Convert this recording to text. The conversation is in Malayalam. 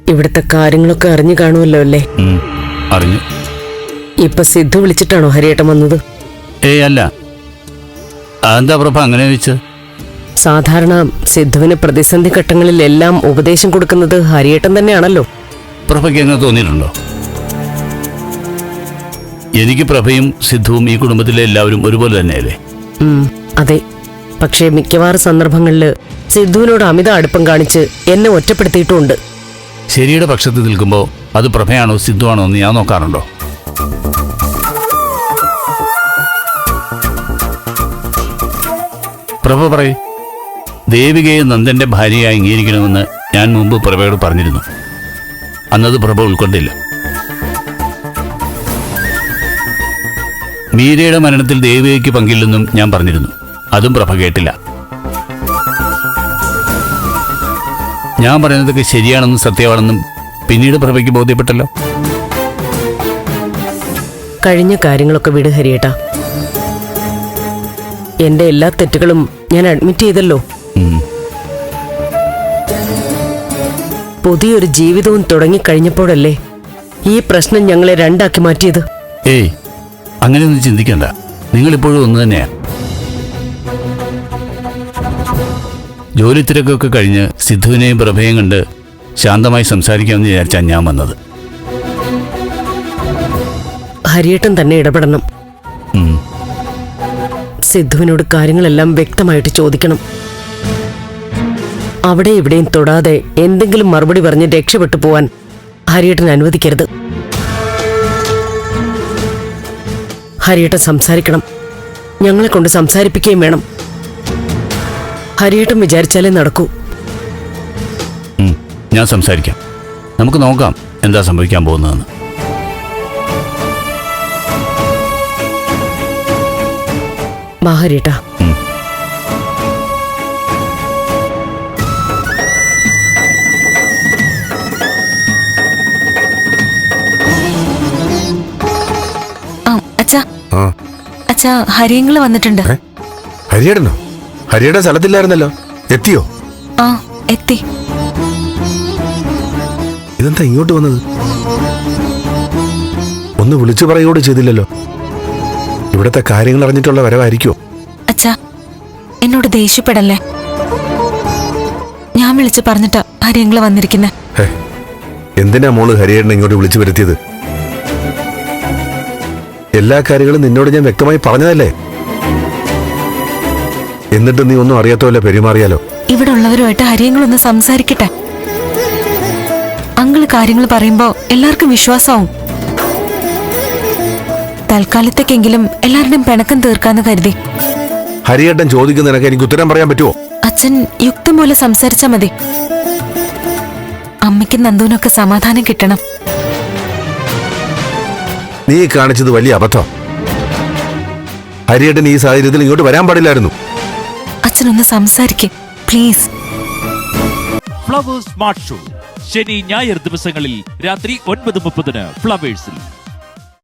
ഇവിടുത്തെ കാര്യങ്ങളൊക്കെ അറിഞ്ഞു കാണുമല്ലോ അല്ലേ? അറിഞ്ഞു. ഇപ്പൊ സിദ്ധു വിളിച്ചിട്ടാണോ ഹരിയേട്ടൻ വന്നത്? ഏയ് അല്ല. എന്താ പ്രഭ അങ്ങനെ ചോദിച്ചത്? സാധാരണ സിദ്ധുവിന് പ്രതിസന്ധി ഘട്ടങ്ങളിലെല്ലാം ഉപദേശം കൊടുക്കുന്നത് ഹരിയേട്ടൻ തന്നെയാണല്ലോ. പ്രഭയ്ക്ക് എങ്ങനെ തോന്നിയിട്ടുണ്ടോ? എനിക്ക് പ്രഭയും സിദ്ധുവും ഈ കുടുംബത്തിലെ എല്ലാവരും ഒരുപോലെ തന്നെയല്ലേ? അതെ. പക്ഷേ മിക്കവാറും സന്ദർഭങ്ങളില് സിദ്ധുവിനോട് അമിത അടുപ്പം കാണിച്ച് എന്നെ ഒറ്റപ്പെടുത്തിയിട്ടുമുണ്ട്. ശരിയുടെ പക്ഷത്ത് നിൽക്കുമ്പോൾ അത് പ്രഭയാണോ സിദ്ധു ആണോ എന്ന് ഞാൻ നോക്കാറുണ്ടോ? പ്രഭ പറയൂ. ദേവികയെ നന്ദന്റെ ഭാര്യയായി അംഗീകരിക്കണമെന്ന് ഞാൻ മുമ്പ് പ്രഭയോട് പറഞ്ഞിരുന്നു. അന്നത് പ്രഭ ഉൾക്കൊണ്ടില്ല. മീരയുടെ മരണത്തിൽ ദേവികയ്ക്ക് പങ്കില്ലെന്നും ഞാൻ പറഞ്ഞിരുന്നു. അതും പ്രഭ കേട്ടില്ല. ഞാൻ പറയുന്നതൊക്കെ ശരിയാണെന്നും സത്യമാണെന്നും പിന്നീട് പ്രഭയ്ക്ക് ബോധ്യപ്പെട്ടല്ലോ. കഴിഞ്ഞ കാര്യങ്ങളൊക്കെ വിട് ഹരിയേട്ടാ. എന്റെ എല്ലാ തെറ്റുകളും ഞാൻ അഡ്മിറ്റ് ചെയ്തല്ലോ. പുതിയൊരു ജീവിതവും തുടങ്ങിക്കഴിഞ്ഞപ്പോഴല്ലേ ഈ പ്രശ്നം ഞങ്ങളെ രണ്ടാക്കി മാറ്റിയത്. ഏയ്, അങ്ങനെയൊന്നും ചിന്തിക്കണ്ട. നിങ്ങളിപ്പോഴും ഒന്ന് തന്നെയാ. ജോലി തിരക്കൊക്കെ കഴിഞ്ഞ് സിദ്ധുവിനെയും പ്രഭയും കണ്ട് ശാന്തമായി സംസാരിക്കാമെന്ന് വിചാരിച്ചാണ് ഞാൻ വന്നത്. ഹരിയേട്ടൻ തന്നെ ഇടപെടണം. സിദ്ധുവിനോട് കാര്യങ്ങളെല്ലാം വ്യക്തമായിട്ട് ചോദിക്കണം. അവിടെ ഇവിടെയും തൊടാതെ എന്തെങ്കിലും മറുപടി പറഞ്ഞ് രക്ഷപ്പെട്ടു പോവാൻ ഹരിയേട്ടൻ അനുവദിക്കരുത്. ഹരിയേട്ടൻ സംസാരിക്കണം. ഞങ്ങളെ കൊണ്ട് സംസാരിപ്പിക്കുകയും വേണം. ഹരിയേട്ടൻ വിചാരിച്ചാലേ നടക്കൂ. ഞാൻ സംസാരിക്കാം. നമുക്ക് നോക്കാം എന്താ സംഭവിക്കാൻ പോകുന്നതെന്ന്. വാ ഹരിയേട്ടാ. അച്ഛാ, ഹരിയങ്ങള് വന്നിട്ടുണ്ട്. ഹരിയേടനോ? ഹരിയേടൻ സ്ഥലത്തില്ലായിരുന്നല്ലോ. എത്തിയോ? ആ, എത്തി. ഇതെന്താ ഇങ്ങോട്ട് വന്നത്? ഒന്ന് വിളിച്ചു പറയുകയോട് ചെയ്തില്ലല്ലോ. ഇവിടത്തെ കാര്യങ്ങൾ അറിഞ്ഞിട്ടുള്ള വരവായിരിക്കോ? അച്ഛാ, എന്നോട് ദേഷ്യപ്പെടല്ലേ. ഞാൻ വിളിച്ചു പറഞ്ഞിട്ടാ ഹരിയങ്ങള് വന്നിരിക്കുന്നെ. എന്തിനാ മോള് ഹരിയേടനെ ഇങ്ങോട്ട് വിളിച്ചു വരുത്തിയത്? എല്ലാ കാര്യങ്ങളും നിന്നോട് ഞാൻ വ്യക്തമായി പറഞ്ഞതല്ലേ. എന്നിട്ട് നീ ഒന്നും അറിയാത്തവല്ല പെരുമാറിയാലോ. ഇവിടെ ഉള്ളവരുമായിട്ട് ഹരിയങ്ങളൊന്ന് സംസാരിക്കട്ടെ. അങ്കിള് കാര്യങ്ങൾ പറയുമ്പോ എല്ലാവർക്കും വിശ്വാസമാവും. തൽക്കാലത്തേക്കെങ്കിലും എല്ലാവരുടെയും പിണക്കം തീർക്കാന്ന് കരുതി. ഹരിയേട്ടൻ ചോദിക്കുന്നതിനൊക്കെ എനിക്ക് ഉത്തരം പറയാൻ പറ്റുമോ? അച്ഛൻ യുക്തം പോലെ സംസാരിച്ചാ മതി. അമ്മയ്ക്കും നന്ദുവിനൊക്കെ സമാധാനം കിട്ടണം. നീ കാണിച്ചത് വലിയ അബദ്ധം. ഹരിയേട്ടൻ ഈ സാഹചര്യത്തിൽ ഇങ്ങോട്ട് വരാൻ പാടില്ലായിരുന്നു. അച്ഛനൊന്ന് സംസാരിക്കേ പ്ലീസ്. ഫ്ലവേഴ്സ് സ്മാർട്ട് ഷോ ശനി ഞായർ ദിവസങ്ങളിൽ രാത്രി 9:30 ഫ്ലവേഴ്സിൽ.